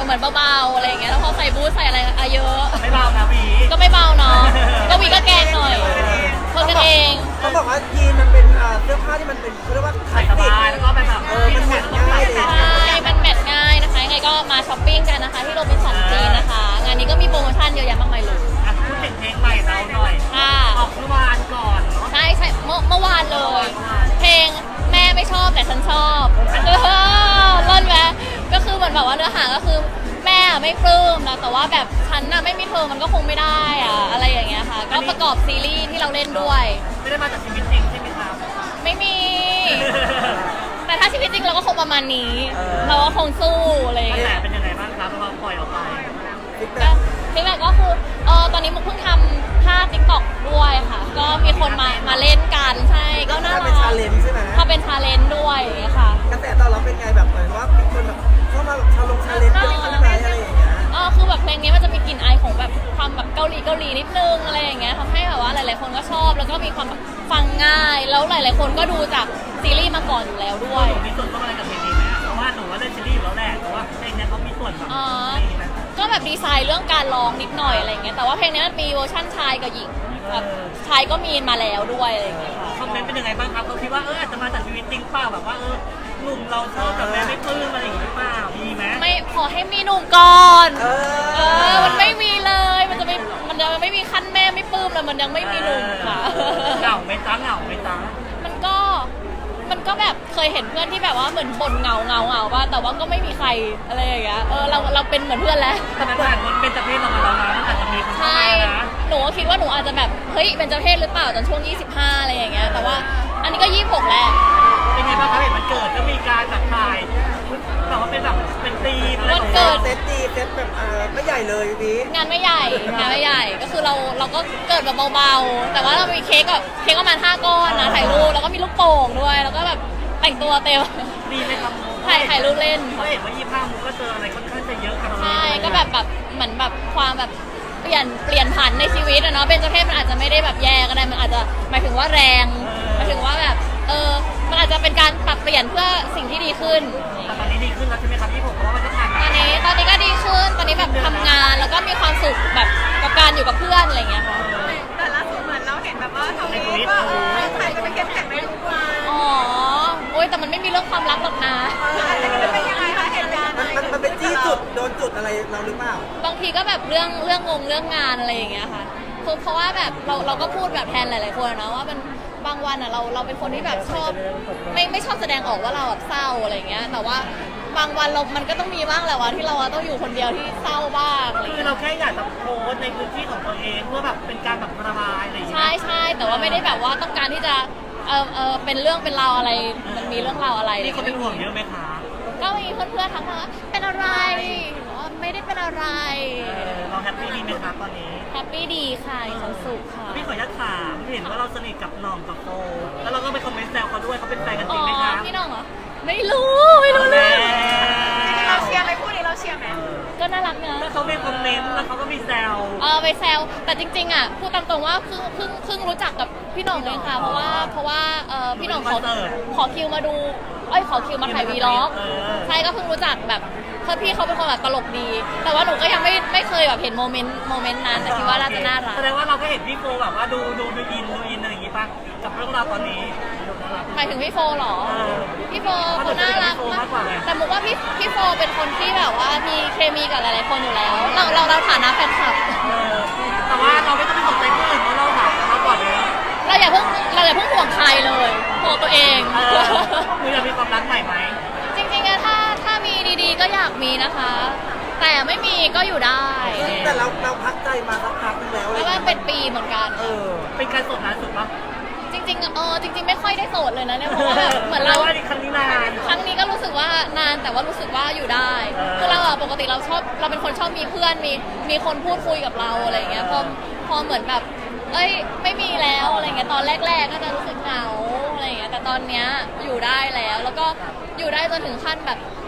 เหมือนเบาๆอะไรอย่างเงี้ยแล้วพอใส่บูทใส่อะไรอะเยอะไม่เบานะวีก็ไม่เบาเนาะก็วีก็แกล้งหน่อยคนกันเองเขาบอกว่ายีนมันเป็นเสื้อผ้าที่มันเป็นเขาเรียกว่าคลาใส่สสสิกบายแล้วก็เป็นแบบมันแมทง่ายเลยใช่มันแมทง่ายนะคะยังไงก็มาช้อปปิ้งกันนะคะที่โรบินสันจีนนะคะงานนี้ก็มีโปรโมชั่นเยอะแยะมากมายเลยอ่ะพูดถึงเพลงใหม่เราหน่อยค่ะออกเมื่อวานก่อนเนาะใช่เมื่อวานเลย เพลงแม่ไม่ชอบแต่ฉันชอบเล่นไหมก็คือเหมือนแบบว่าเนื้อหาก็คือแม่ไม่ปลื้มนะแต่ว่าแบบฉันน่ะไม่มีเธอมันก็คงไม่ได้อะอะไรอย่างเงี้ยค่ะก็ประกอบซีรีส์ที่เราเล่นด้วยไม่ได้มาจากชีวิตจริงใช่ไหมครับไม่มี แต่ถ้าชีวิตจริงเราก็คงประมาณนี้ เราก็คงสู้อะไรอย่างกระเงี้แสยเป็นยังไงบ้างครับพอปล่อยออกไปก็ฟีดแบ็กก็คือตอนนี้มุกเพิ่งทำท่าติ๊กต็อกด้วยค่ะ ก็มีคนมาเล่นกันใช่ก็น่ารักเป็นชาเลนจ์ใช่ไหมถ้าเป็นชาเลนจ์ด้วยค่ะกระแสตอบรับเป็นไงแบบเหมือนว่ามีคนแบบเข้ามาแบบชาเลนจ์เป็นคนไหนอะไรอย่างเงี้ยคือแบบเพลงนี้มันจะมีกลิ่นอายของแบบความแบบเกาหลีนิดนึงอะไรอย่างเงี้ยทำให้แบบว่าหลายๆคนก็ชอบแล้วก็มีความแบบฟังง่ายแล้วหลายๆคนก็ดูจากซีรีส์มาก่อนอยู่แล้วด้วยหนูมีส่วนร่วมอะไรกับเพลงนี้ไหมอ่ะเพราะว่าหนูว่าเล่นซีรีส์อยู่แล้วแหละแต่ว่าเพลงเนี้ยเขามีส่วนแบบอ๋อนี่นะก็แบบดีไซน์เรื่องการร้องนิดหน่อยอะไรอย่างเงี้ยแต่ว่าเพลงนี้มันมีเวอร์ชั่นชายกับหญิงแบบชายก็มีมาแล้วด้วยอะไรอย่างเงี้ยค่ะคอมเมนต์เป็นยังไงบ้างครับเขาคิดว่าอาจจะมาจากชีวิตจริงเปล่าแบบว่าหนุ่มเราชอบแบบแม่ไม่ปลื้มอะไรอย่างงี้หรือเปล่ามีไหมไม่ขอให้มีหนุ่มก่อน มันไม่มีเลย มันยังไม่มีขั้นแม่ไม่ปลื้มเลยมันยังไม่มีหนุ่มค่ะเหงาไหม่จ้าเหงาไหม่จ้ามันก็แบบเคยเห็นเพื่อนที่แบบว่าเหมือนบ่นเหงาว่าแต่ว่าก็ไม่มีใครอะไรอย่างเงี้ยเราเป็นเหมือนเพื่อนแล้วแต่มันผ่านคนเป็นจะเพศเรามาแล้วนะมันอาจจะมีคนเข้าใช่มานะหนูก็คิดว่าหนูอาจจะแบบเฮ้ยเป็นเจ้าเพศหรือเปล่าตอนช่วง 25 อะไรอย่างเงี้ยแต่ว่าอันนี้ก็ 26 แล้วเป็นไงบ้างครับเห็นมันเกิดก็มีการแบบถ่ายแบบว่าเป็นแบบเป็นธีมอะไรวันเกิดเซตดีเซตแบบไม่ใหญ่เลยพี่งานไม่ใหญ่ก็คือเราก็เกิดแบบเบาๆแต่ว่าเรามีเค้กประมาณ5 ก้อนนะถ่ายรูปแล้วก็มีลูกโป่งด้วยแล้วก็แบบแต่งตัวเต็มดีไหมครับถ่ายรูปเล่นเขาเห็นว่า25มุกก็เจออะไรค่อนข้างจะเยอะกับเราใช่ก็แบบเหมือนแบบความแบบเปลี่ยนผันในชีวิตอะเนาะเป็นเจ้าเพศมันอาจจะไม่ได้แบบแย่ก็ได้มันอาจจะหมายถึงว่าแรงหมายถึงว่าแบบมันอาจจะเป็นการปรับเปลี่ยนเพื่อสิ่งที่ดีขึ้นแต่ตอนนี้ดีขึ้นแล้วใช่ไหมครับพี่ผมเพราะว่ามันก็ผ่านตอนนี้ก็ดีขึ้นตอนนี้แบบทำงานแล้วก็มีความสุขแบบกับการอยู่กับเพื่อนอะไรอย่างเงี้ยค่ะแต่ล่าสุดเหมือนเราเห็นแบบว่าทวีตว่าใครจะไปเข้มแข็งในทุกวันอ๋อโอ๊ยแต่มันไม่มีเรื่องความรักหรอกนะอันนี้มันเป็นยังไงคะเหตุการณ์มันเป็นที่จุดโดนจุดอะไรเราหรือเปล่าบางทีก็แบบเรื่องงานอะไรอย่างเงี้ยค่ะคือเพราะว่าแบบเราก็พูดแบบแทนหลายๆคนนะว่ามันบางวันอ่ะเราเป็นคนที่แบบชอบไม่ชอบแสดงออกว่าเราแบบเศร้าอะไรอย่างเงี้ยแต่ว่าบางวันมันก็ต้องมีบ้างแหละว่าที่เราต้องอยู่คนเดียวที่เศร้าบ้างอะไรอย่างคือเงี้ยเราแค่อยากจะโพสต์ในพื้นที่ของตัวเองเพื่อแบบเป็นการแบบระบายอะไรอย่างเงี้ยใช่แต่ว่าไม่ได้แบบว่าต้องการที่จะเป็นเรื่องเป็นราวอะไรมันมีเรื่องราวอะไรนี่เขาเป็นห่วงเยอะไหมคะก็มีเพื่อนๆทักมาว่าเป็นอะไรบอกว่าไม่ได้เป็นอะไรเราแฮปปี้ดีไหมครับตอนนี้แฮปปี้ดีค่ะมีความสุขค่ะพี่ขออนุญาตถามเห็นว่าเราสนิทกับหน่องกับโฟแล้วเราก็ไปคอมเมนต์แซวเขาด้วยเขาเป็นแฟนกันจอ๋ริงไหมอคะพี่น้องเหรอไม่รู้เรื่องเราเชียร์ไหมคู่นี้เราเชียร์ไหมก็น่ารักนะแล้วเขามีคอมเมนต์แล้วเขาก็มีแซวไปแซวแต่จริงๆอ่ะพูดตามตรงว่าเพิ่งรู้จักกับพี่หน่องเองค่ะเพราะว่าพี่หน่องขอคิวมาดูขอคิวมาถ่ายวีล็อกใช่ก็เพิ่งรู้จักแบบพี่เขาเป็นคนแบบตลกดี แต่ว่าหนูก็ยังไม่เคยแบบเห็นโมเมนต์นั้นแต่คิดว่าน่าจะน่ารักแสดงว่าเราก็เห็นพี่โฟแบบว่าดูอินอะไรอย่างงี้ป่ะกับเรื่องราวตอนนี้หมายถึงพี่โฟเหรอ พี่โฟเพราะหนูเขาน่ารักจะเป็นพี่โฟมากกว่าไงแต่มุกว่าพี่โฟเป็นคนที่แบบว่ามีเคมีกับหลายๆคนอยู่แล้ว เราฐานะแฟนคลับแต่ว่าเราไม่ต้องไปสนใจผู้อื่นเพราะเราหาเขาก่อนเลยเราอย่าเพิ่งห่วงใครเลยห่วงตัวเองคืออยากมีความรักใหม่ไหมจริงๆอะถ้ามีดีๆก็อยากมีนะคะ แต่ไม่มีก็อยู่ได้แต่เราพักใจมาสักพักนึงแล้วแล้วว่าเป็นปีเหมือนกันเป็นการสดนานสุดปะจริงๆจริง ๆ ไม่ค่อยได้โสดเลยนะเนี่ยเพราะว่าแบบเหมือนเราว่าครั้งนี้นานครั้งนี้ก็รู้สึกว่านานแต่ว่ารู้สึกว่าอยู่ได้ คือเราอะปกติเราเป็นคนชอบมีเพื่อนมีคนพูดคุยกับเราอะไรอย่างเงี้ยพอเหมือนแบบไม่มีแล้วอะไรเงี้ยตอนแรกๆก็จะรู้สึกเหงาอะไรเงี้ยแต่ตอนเนี้ยอยู่ได้แล้วก็อยู่ได้จนถึงขั้นแบบ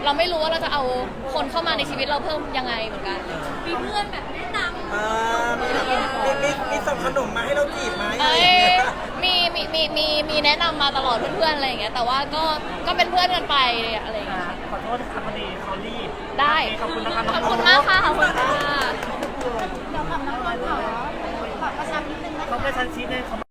เราไม่รู้ว่าเราจะเอาคนเข้ามาในชีวิตเราเพิ่มยังไงเหมือนกันมีเพื่อนแบบแนะนำมีส่งขนมมาให้เราจีบไหมอะไรเอ้อย ย่างเงี้ยมีแนะนำมาตลอดเพื่อนๆอะไรอย่างเงี้ยแต่ว่าก็เป็นเพื่อนกันไปอะไรอย่างเงี้ยขอโทษนะครับพอดีเขารีบได้ขอบคุณนะคะน้องขอบคุณมากค่ะขอบคุณค่ะเดี๋ยวกับน้องต้นขอประชานิดนึงนะคะเขาไปชั้นชี้เลยเขา